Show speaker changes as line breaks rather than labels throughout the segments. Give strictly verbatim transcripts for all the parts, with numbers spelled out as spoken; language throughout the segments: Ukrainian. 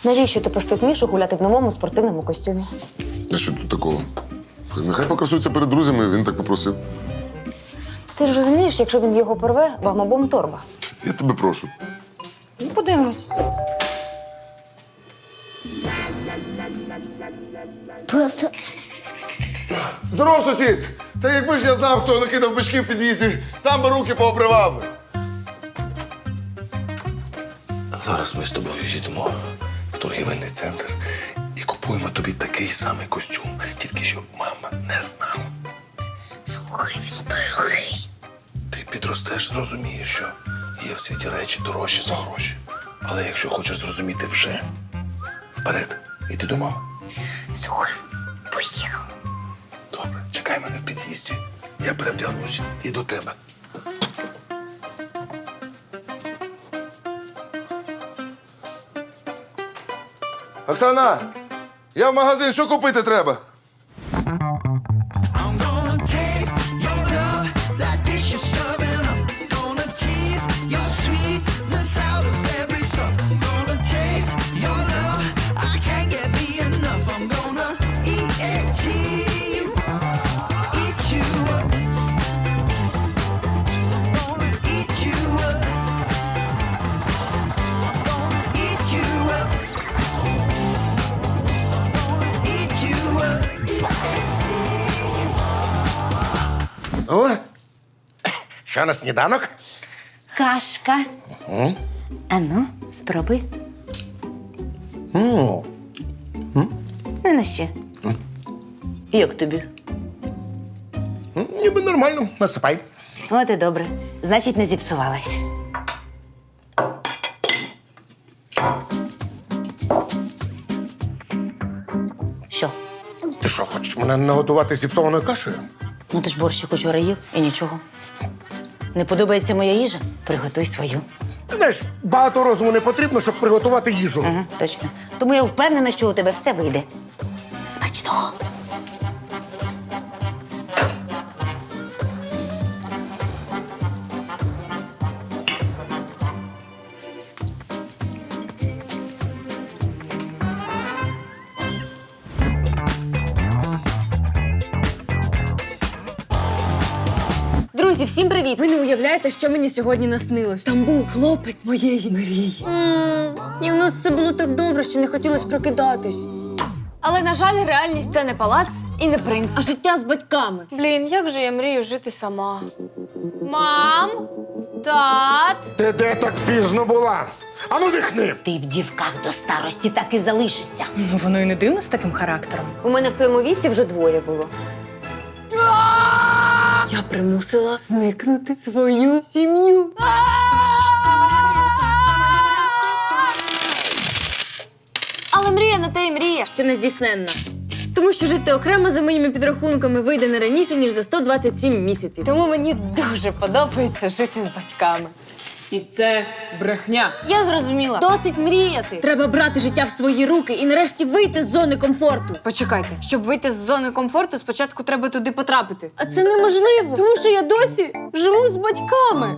Навіщо ти пустив Мішу гуляти в новому спортивному костюмі?
А що тут такого? Нехай покрасується перед друзями, він так попросив.
Ти ж розумієш, якщо він його порве, вам обом торба.
Я тебе прошу.
Ну, подивимось.
Просто
Здоров, сусід! Та якби ж я знав, хто накидав бички в під'їзді, сам би руки пообривав.
Зараз ми з тобою їдемо в торгівельний центр і купуємо тобі такий самий костюм, тільки щоб мама не знала.
слухай, він дорогий.
Ти підростеш, зрозумієш, що є в світі речі дорожчі за гроші. Але якщо хочеш зрозуміти вже, вперед, іди до мами.
Слухай, поїхав.
Добре, чекай мене в під'їзді. Я перевдягнусь і до тебе.
Оксана, я в магазин, що купити треба?
I'm gonna taste your love like this you're serving up. Gonna tease your sweetness out of every song. Gonna taste your love, I can't get me enough. I'm gonna eat you, eat you up. Gonna eat you up. Gonna eat you up. Gonna eat you up.
О, що на сніданок?
Кашка. Ану, спробуй. Ну, ну ще. Як тобі?
Ніби нормально, насипай.
От і добре. Значить, не зіпсувалась. Що?
Ти що, хочеш мене наготувати зіпсованою кашею?
Ну ти ж борщик учора їв і нічого. Не подобається моя їжа? Приготуй свою.
Ти знаєш, багато розуму не потрібно, щоб приготувати їжу.
Ага, точно. Тому я впевнена, що у тебе все вийде. Смачного.
Друзі, всім привіт! Ви не уявляєте, що мені сьогодні наснилось. Там був хлопець моєї мрії. І у нас все було так добре, що не хотілося прокидатись. Але, на жаль, реальність – це не палац і не принц, а життя з батьками. Блін, як же я мрію жити сама. Мам? Тат?
Ти де так пізно була? Ану дихни!
Ти в дівках до старості так і залишишся.
Ну, воно і не дивно з таким характером.
У мене в твоєму віці вже двоє було.
Я примусила зникнути свою сім'ю. Але мрія на те й мрія, що не здійсненна. Тому що жити окремо за моїми підрахунками вийде не раніше, ніж за сто двадцять сім місяців. Тому мені дуже подобається жити з батьками. І це брехня. Я зрозуміла. Досить мріяти. Треба брати життя в свої руки і нарешті вийти з зони комфорту. Почекайте, щоб вийти з зони комфорту, спочатку треба туди потрапити. А це неможливо, тому що я досі живу з батьками.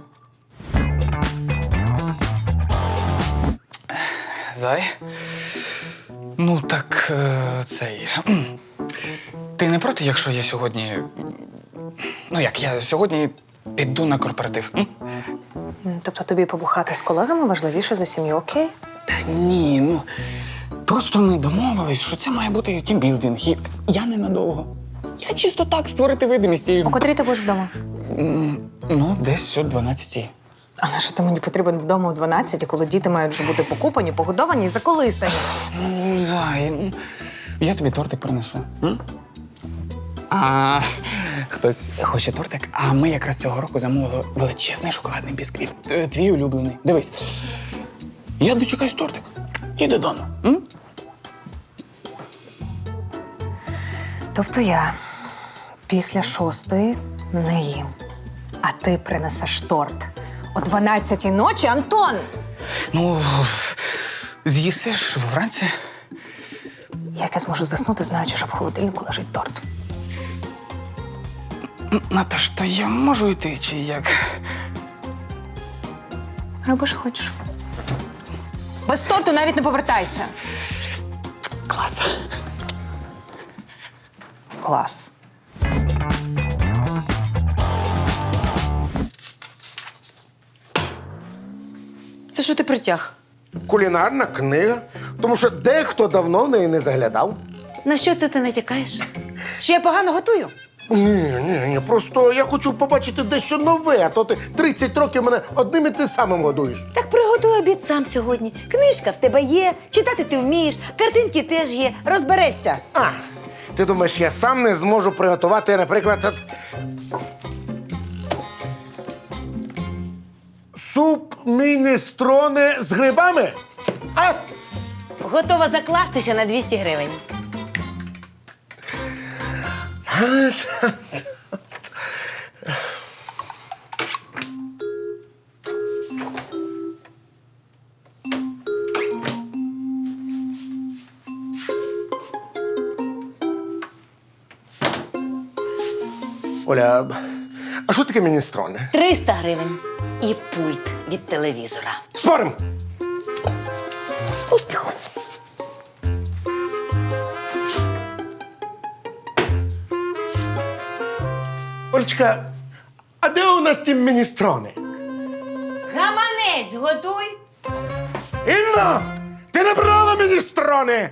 Зай? Ну, так е, цей. Ти не проти, якщо я сьогодні. Ну як, я сьогодні піду на корпоратив? М?
Тобто тобі побухати з колегами важливіше за сім'ю, окей?
Та ні, ну. Просто ми домовились, що це має бути тімбілдинг. І я ненадовго. Я чисто так створити видимість і.
О котрій ти будеш вдома?
М, Ну, десь о дванадцятій.
А на що ти мені потрібен вдома о дванадцятій, коли діти мають вже бути покупані, погодовані і заколисані?
Ну, Зай, ну, я тобі тортик принесу. М? А хтось хоче тортик, а ми якраз цього року замовили величезний шоколадний бісквіт. Е, Твій улюблений. Дивись. Я дочекаюсь тортик. І додому. М?
Тобто я після шостої не їм, а ти принесеш торт о дванадцятій ночі, Антон!
Ну, з'їсиш вранці.
Як я зможу заснути, знаючи, що в холодильнику лежить торт?
М, Наташ, то я можу йти, чи як?
Роби, що хочеш. Без торту навіть не повертайся.
Клас.
Клас. Це що ти притяг?
Кулінарна книга. Тому що дехто давно в неї не заглядав.
На що це ти натякаєш? Що я погано готую?
Ні, ні, ні. Просто я хочу побачити дещо нове, а то ти тридцять років мене одним і тим самим годуєш.
Так приготуй обід сам сьогодні. Книжка в тебе є, читати ти вмієш, картинки теж є. Розберешся.
А, ти думаєш, я сам не зможу приготувати, наприклад, от... суп міністроне з грибами? А?
Готова закластися на двісті гривень.
Оля, а що таке міністроне?
триста гривень. І пульт від телевізора.
Спорим!
Успіху!
Олечка, а де у нас ті міністрони?
Гаманець готуй!
Інна! Ти не брала міністрони!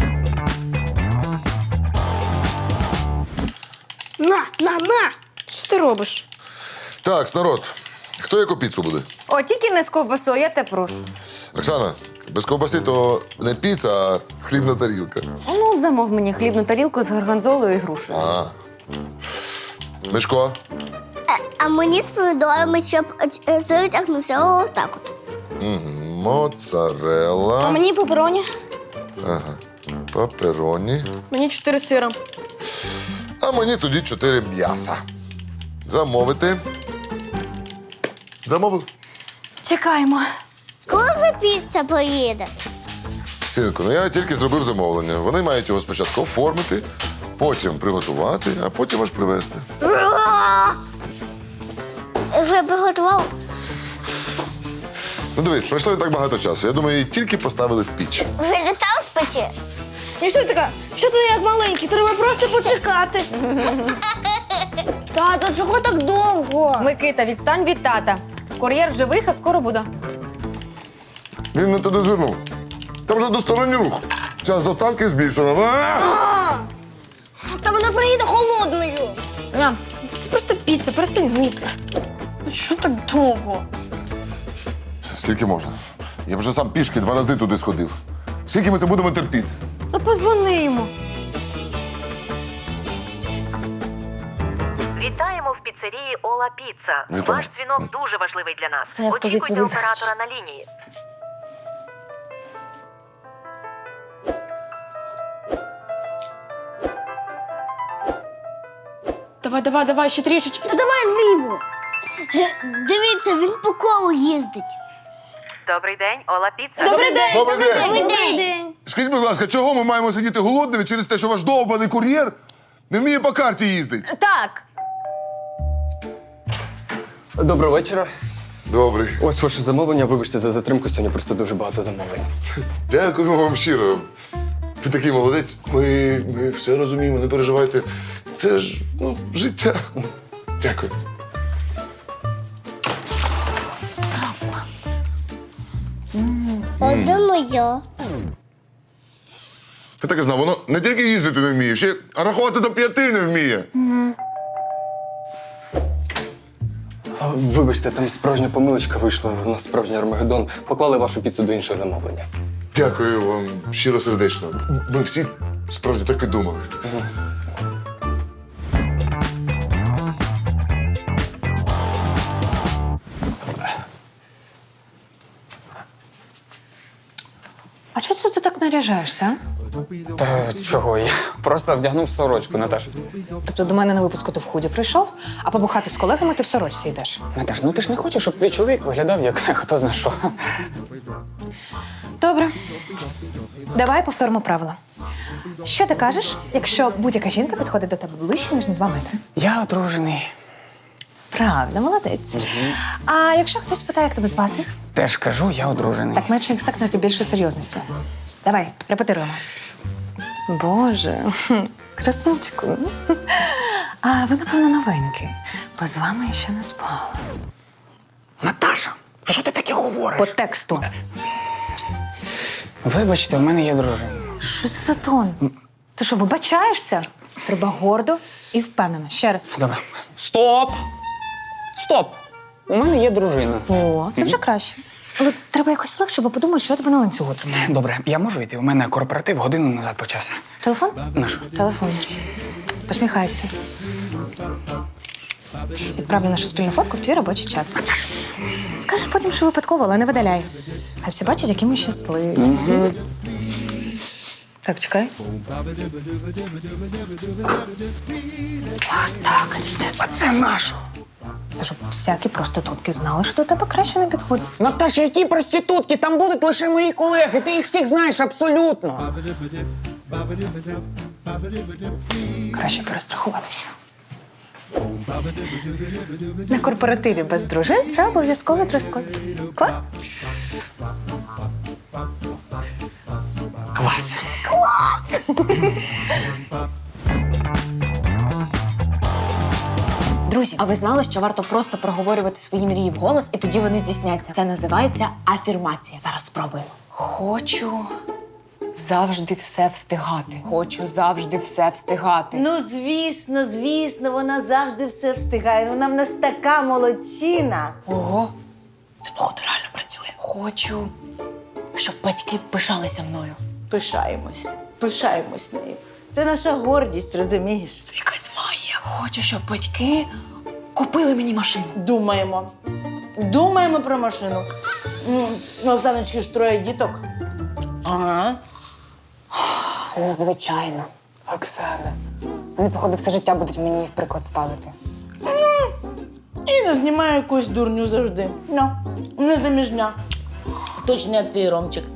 На, на, на! Що ти робиш?
Так, народ, хто яку піцу буде?
О, тільки не з ковбасою, я те прошу.
Оксана, без ковбаси то не піца, а хлібна тарілка.
Ну, замов мені хлібну тарілку з горгонзолою і грушею.
А. Мишко,
А мені з помідорами, щоб е, сир тягнувся отак от.
моцарелла,
мені пепероні.
ага, папероні.
Мені чотири сира.
А мені тоді чотири м'яса. Замовити. Замовив.
Чекаємо.
Коли вже піца поїде?
Синку, ну я тільки зробив замовлення. Вони мають його спочатку оформити, потім приготувати, а потім аж привезти.
Ура! Вже приготував?
Ну дивись, пройшло не так багато часу. Я думаю, її тільки поставили в піч.
Вже дістав з печі?
І що така? Що ти як маленький? Треба просто почекати.
Тато, чого так довго?
Микита, відстань від тата. Кур'єр вже виїхав, скоро буде.
Він не туди звернув. Там вже двосторонній рух. Час доставки збільшено. А!
Та вона приїде холодною.
Мам, це просто піца, перестань нити. Що так довго?
Скільки можна? Я б вже сам пішки два рази туди сходив. Скільки ми це будемо терпіти?
Ну, позвони йому.
Вітаємо в піцерії Ола Піца.
Вітаю.
Ваш дзвінок дуже важливий для нас.
Це
Очікуйте
автовідповідач.
оператора на лінії.
Давай, давай, давай, ще трішечки.
Та давай вліво. Ге, Дивіться, він по колу їздить.
Добрий день, Ола Піца.
Добрий день!
Добрий день!
Добрий день.
Скажіть, будь ласка, чого ми маємо сидіти голодними через те, що ваш довбаний кур'єр не вміє по карті їздить?
Так.
Доброго вечора.
Добрий.
Ось ваше замовлення. Вибачте за затримку, сьогодні просто дуже багато замовлень.
Дякую вам щиро. Ви такий молодець. Ми, ми все розуміємо, не переживайте. Це ж ну, життя. Дякую.
Одне моє.
Я так і знав, воно не тільки їздити не вміє, ще й рахувати до п'яти не вміє.
А, Вибачте, там справжня помилочка вийшла. У нас справжній Армагеддон. Поклали вашу піцу до іншого замовлення.
Дякую вам щиро сердечно. Ми всі справді так і думали.
А чого це ти так наряжаєшся? а?
Та чого? Я просто вдягнув сорочку, Наташ.
Тобто до мене на випуску ти в худі прийшов, а побухати з колегами ти в сорочці йдеш.
Наташ, ну ти ж не хочеш, щоб твій чоловік виглядав як хто зна що.
Добре. Давай повторимо правила. Що ти кажеш, якщо будь-яка жінка підходить до тебе ближче, ніж на два метри?
Я одружений.
Правда, молодець. А якщо хтось питає, як тебе звати?
Теж кажу, я одружений.
Так менше ексактної, більше серйозності. Давай, репетируємо. Боже, красунчику. А ви, напевно, новенькі, бо з вами я ще не спала.
Наташа, що ти таке говориш?
По тексту.
Вибачте, в мене є дружина.
Що це за тон? Ти що, вибачаєшся? Треба гордо і впевнено. Ще раз.
Добре. Стоп! Стоп! У мене є дружина.
О, це вже краще. Але треба якось легше, бо подумаю, що я тебе на ланцюгу тримаю.
Добре, я можу йти? У мене корпоратив годину назад почався.
Телефон?
Нашу.
Телефон. Посміхайся. Відправлю нашу спільну фотку в твій робочий чат. Скажеш потім, що випадково, але не видаляй. Хай всі бачать, які ми щасливі.
Угу.
Так, чекай. А, так,
А це нашу.
це щоб всякі проститутки знали, що до тебе краще не підходять.
Наташа, які проститутки? Там будуть лише мої колеги. Ти їх всіх знаєш абсолютно.
Краще перестрахуватися. На корпоративі без дружин це обов'язково дрес-код. Клас?
Клас.
Друзі, а ви знали, що варто просто проговорювати свої мрії вголос, і тоді вони здійсняться? Це називається афірмація. Зараз спробуємо. Хочу завжди все встигати. Хочу завжди все встигати.
Ну, звісно, звісно, вона завжди все встигає. Вона в нас така молодчина.
Ого, це походу реально працює. Хочу, щоб батьки пишалися мною.
Пишаємось, пишаємось нею. Це наша гордість, розумієш?
Це якась магія. Хочу, щоб батьки купили мені машину.
Думаємо. Думаємо про машину. М, У Оксаночки ж троє діток. Ага.
Незвичайно. Оксана. Вони, походу, все життя будуть мені в приклад ставити.
Іна знімає якусь дурню завжди. Ну, не заміжня. Точно як твій Ромчик.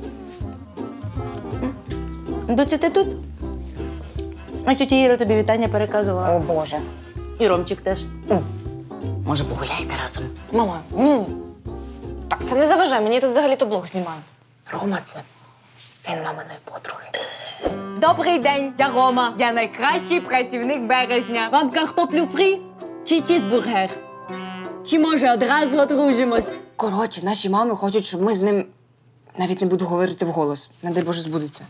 Доці, ти тут? А тетя Іра тобі вітання переказувала.
О, Боже.
І Ромчик теж.
Може, погуляйте разом? Мама, ні. Так, це не заважай, мені тут взагалі-то блог знімаю. Рома, це син маминої подруги.
Добрий день, я Рома. Я найкращий працівник березня. Вам картоплю фрі чи чізбургер? Чи може одразу одружимось?
Коротше, наші мами хочуть, щоб ми з ним навіть не буду говорити вголос. Не дай Боже, збудеться.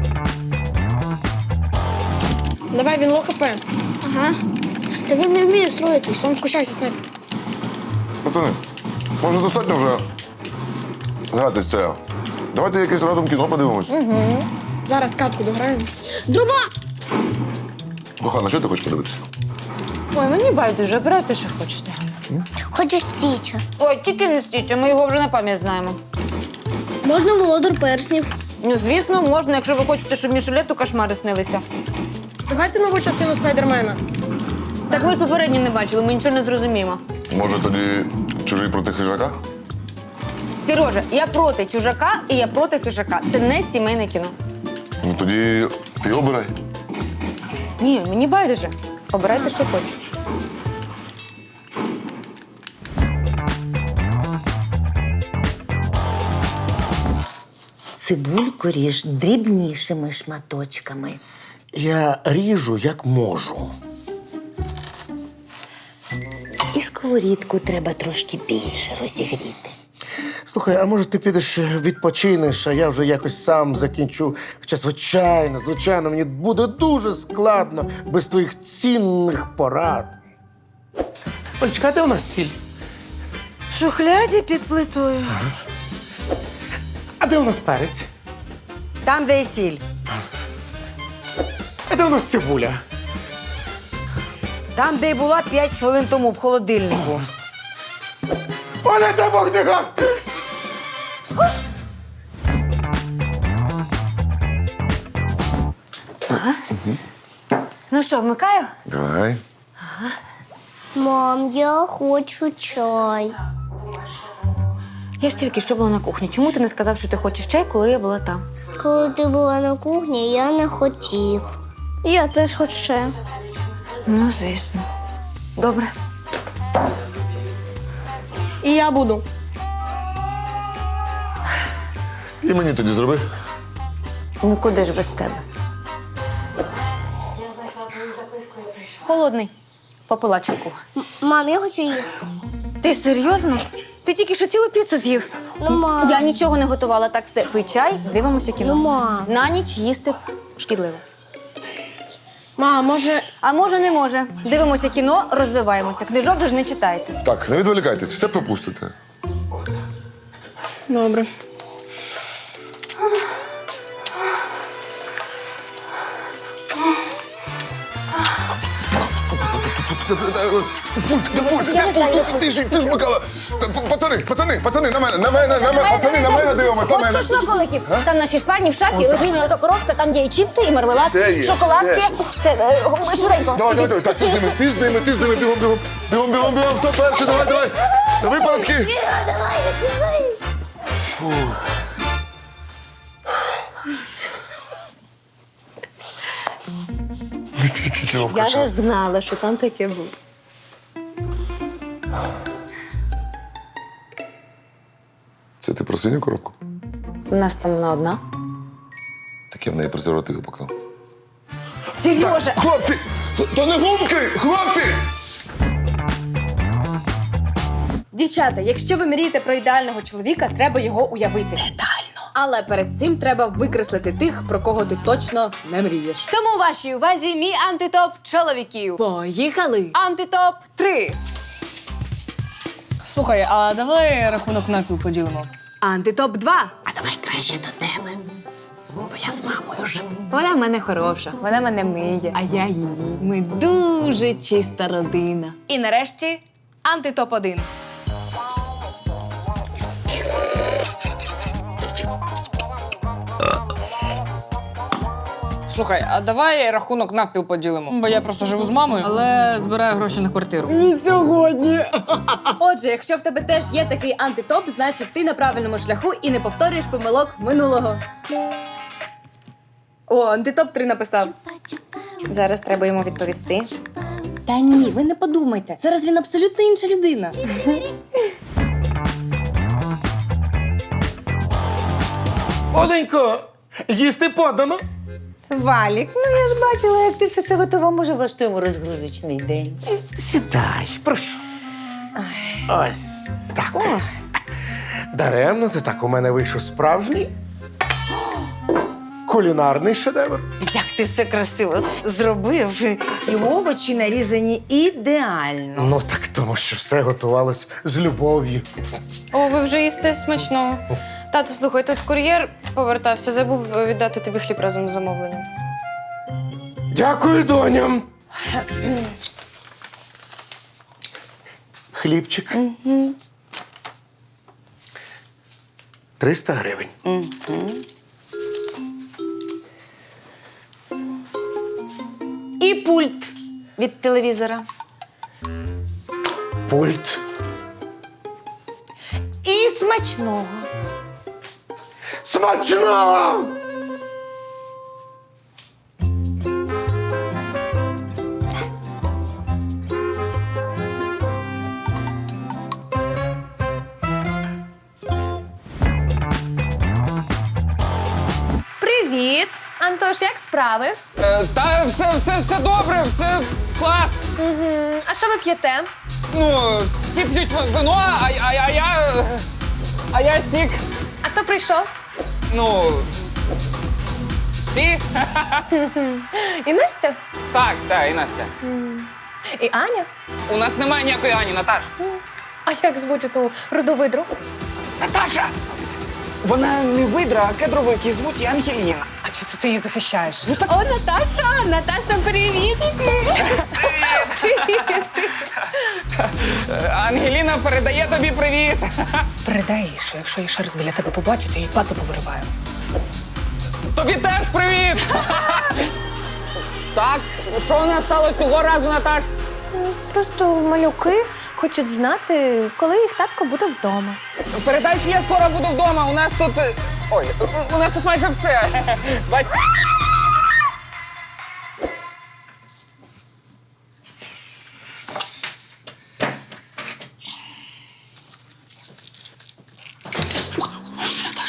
Давай, він лохапе.
Ага. Та він не вміє строїтись, він вкушайся з ним.
Пацани, може достатньо вже гратись це. Давайте якесь разом кіно подивимось.
Зараз катку дограємо.
Друба!
Кохана, що ти хочеш подивитися?
Ой, мені байдуже, обирайте, що хочете.
Хочу стіча.
Ой, тільки не стіче, ми його вже на пам'ять знаємо.
Можна володар перснів.
Ну, звісно, можна, якщо ви хочете, щоб Мішелету кошмари снилися.
Давайте нову частину Спайдермена.
Так ви ж попередньо не бачили, ми нічого не зрозуміємо.
Може тоді чужий проти хижака?
Сережа, я проти чужака і я проти хижака. Це не сімейне кіно.
Ну тоді ти обирай.
Ні, мені байдуже. Обирайте, що хочеш.
Цибульку ріж дрібнішими шматочками.
Я ріжу, як можу.
І сковорідку треба трошки більше розігріти.
Слухай, а може ти підеш відпочинеш, а я вже якось сам закінчу. Хоча, звичайно, звичайно, мені буде дуже складно без твоїх цінних порад. Олечка, а де у нас сіль?
В шухляді під плитою.
А де у нас перець?
Там, де і сіль.
А де у нас цибуля?
Там, де й була п'ять хвилин тому в холодильнику.
Оля, де вогнегасник?
Ну що, вмикаю?
Давай.
Мам, я хочу чай.
Я ж тільки що була на кухні. Чому ти не сказав, що ти хочеш чай, коли я була там?
Коли ти була на кухні, я не хотів. Я теж хочу чаю.
Ну, звісно. Добре.
І я буду.
І мені тоді зроби.
Ну куди ж без тебе? Холодний. Попила чайку.
Мам, я хочу їсти.
Ти серйозно? Ти тільки що цілу піцу з'їв.
Ну, мам.
Я нічого не готувала, так все. Пий чай, дивимося кіно.
Ну, мам.
На ніч їсти шкідливо.
Мам, може.
А може, не може. Дивимося кіно, розвиваємося. Книжок же ж не читайте.
Так, не відволікайтесь, все пропустите.
Добре.
Пульт, де пульт, де пульт? Ти ж, ти ж Микола. Пацани, пацани, пацани, на мене, на мене, на мене, пацани, на мене дивимось, на мене.
Хочете смаколиків? Там наші шпарні в шафі, лежить ото коробка, там є і чіпси, і мармелад,
Це є,
шоколадки.
це.
Це, е, швиденько.
Давай, давай, давай, так, ти з ними, ти з ними, ти з ними, бігом, бігом. Бігом, бігом, бігом, хто перший, давай, давай. Випередки. Не тільки кіно
Я
включай.
не знала, що там таке буде.
Це ти про синю коробку?
У нас там вона одна.
Так я в неї презервативи поклав.
Сережа!
Хлопці! То не гумки! Хлопці!
Дівчата, якщо ви мрієте про ідеального чоловіка, треба його уявити. Детально. Але перед цим треба викреслити тих, про кого ти точно не мрієш.
Тому вашій увазі мій антитоп чоловіків.
Поїхали!
Антитоп три. Слухай, а давай рахунок напів поділимо.
Антитоп два.
А давай краще до тебе. Бо я з мамою живу.
Вона в мене хороша, вона мене миє, а я її. Ми дуже чиста родина. І нарешті антитоп один. Слухай, а давай рахунок навпіл поділимо. Бо я просто живу з мамою, але збираю гроші на квартиру.
Сьогодні. Отже, якщо в тебе теж є такий антитоп, значить ти на правильному шляху і не повторюєш помилок минулого. О, антитоп три написав.
Зараз треба йому відповісти.
Та ні, ви не подумайте. Зараз він абсолютно інша людина.
Оленько, їсти подано.
Валік, ну я ж бачила, як ти все це готова. Може, влаштуємо розгрузочний день.
Сідай, прошу. Ось так. Даремно ти так у мене вийшов справжній кулінарний шедевр.
Як ти все красиво зробив. І овочі нарізані ідеально.
Ну так тому, що все готувалось з любов'ю.
О, ви вже їсте смачного. Тато, слухай, тут кур'єр повертався, забув віддати тобі хліб разом з замовленням.
Дякую, доням. Хлібчик. Триста гривень.
І пульт від телевізора.
Пульт.
І смачного.
Смачно!
Привіт! Антош, як справи?
Е, та все, все, все добре, все клас.
Угу. А що ви п'єте?
Ну, всі п'ють вино, а, а, а я. А я сік.
А хто прийшов?
Ну. Всі?
І Настя?
Так, так, і Настя.
І Аня?
У нас немає ніякої Ані, Наташ.
А як звуть оту родовидру?
Наташа! Вона не видра, а кедровик, її звуть і Ангеліна.
А чи це ти її захищаєш? О, Наташа! Наташа, привіт! Привіт!
Ангеліна передає тобі привіт.
Передай їй, що якщо я ще раз біля тебе побачу, то її пати повириваю.
Тобі теж привіт! Так, що у нас сталося цього разу, Наташ?
Просто малюки хочуть знати, коли їх татко буде вдома.
Передай, що я скоро буду вдома. У нас тут. е, Ой, у нас тут майже все. Бач.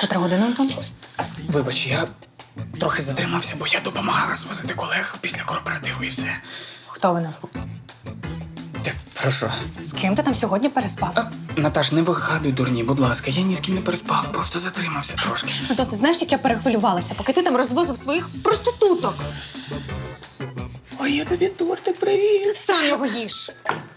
Котра година, Антон?
Вибач, я трохи затримався, бо я допомагав розвозити колег після корпоративу і все.
Хто вона?
Ти про що?
З ким ти там сьогодні переспав?
А, Наташ, не вигадуй, дурні, будь ласка, я ні з ким не переспав, просто затримався трошки.
Антон, ти знаєш, як я перехвилювалася, поки ти там розвозив своїх проституток.
Ой, я тобі тортик привіз.
Сам його їж.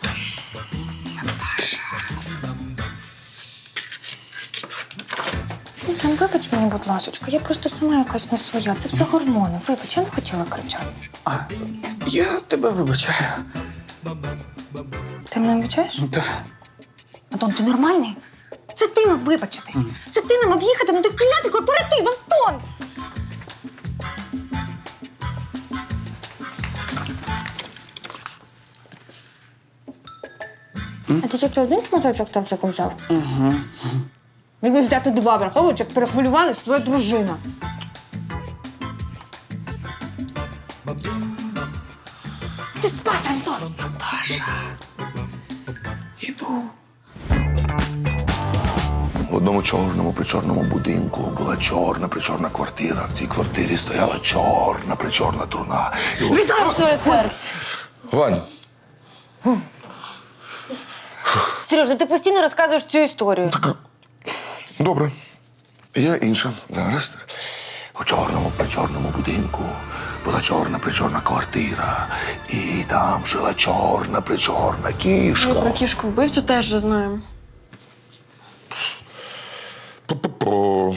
Антон, вибач мені, будь ласочка, я просто сама якась не своя. Це все гормони. Вибач, я не хотіла кричати.
А, я тебе вибачаю.
Ти мене вибачаєш?
Так.
Антон, ти нормальний? Це ти мав вибачитись. Це ти не мав їхати на той клятий корпоратив, Антон! А ти тільки один шматочок тортику взяв?
Угу.
Міг взяти два, враховуючи, як перехвилювалась твоя дружина. Ти спати, Антон!
Наташа. Іду.
В одному чорному причорному будинку була чорна причорна квартира. В цій квартирі стояла чорна причорна труна. І от-
Вітаю своє серце!
Вань,
Сереж, ну ти постійно розказуєш цю історію.
добре. Я інша. Зараз.
У чорному причорному будинку була чорна причорна квартира. І там жила чорна причорна кішка.
Про кішку вбивцю теж вже знаємо.
По-по-по.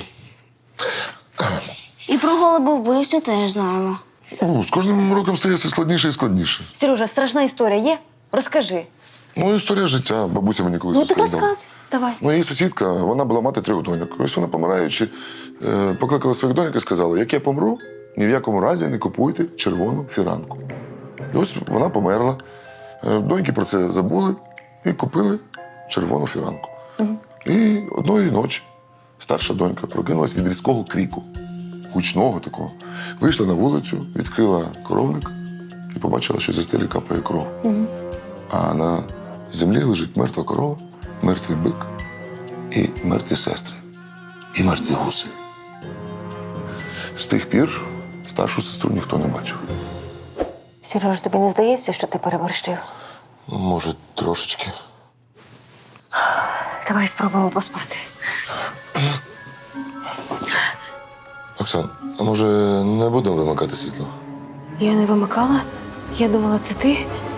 І про голуба вбивцю теж знаємо.
О, з кожним роком стає все складніше і складніше.
Сережа, страшна історія є? Розкажи.
Ну, історія життя. Бабуся мені колись
Ну так
розповідала.
розказуй. Давай.
Ну, її сусідка, вона була мати трьох доньок. Ось вона, помираючи, е, покликала своїх доньок і сказала: як я помру, ні в якому разі не купуйте червону фіранку. І ось вона померла. Е, Доньки про це забули і купили червону фіранку. І одної ночі старша донька прокинулась від різкого кріку, гучного такого. Вийшла на вулицю, відкрила коровник і побачила, що зі стелі капає кров. А на землі лежить мертва корова, мертвий бик і мертві сестри, і мертві гуси. З тих пір старшу сестру ніхто не бачив.
Сереж, тобі не здається, що ти переборщив?
Може, трошечки.
Давай спробуємо поспати.
Оксан, а може не будемо вимикати світло?
Я не вимикала. Я думала, це ти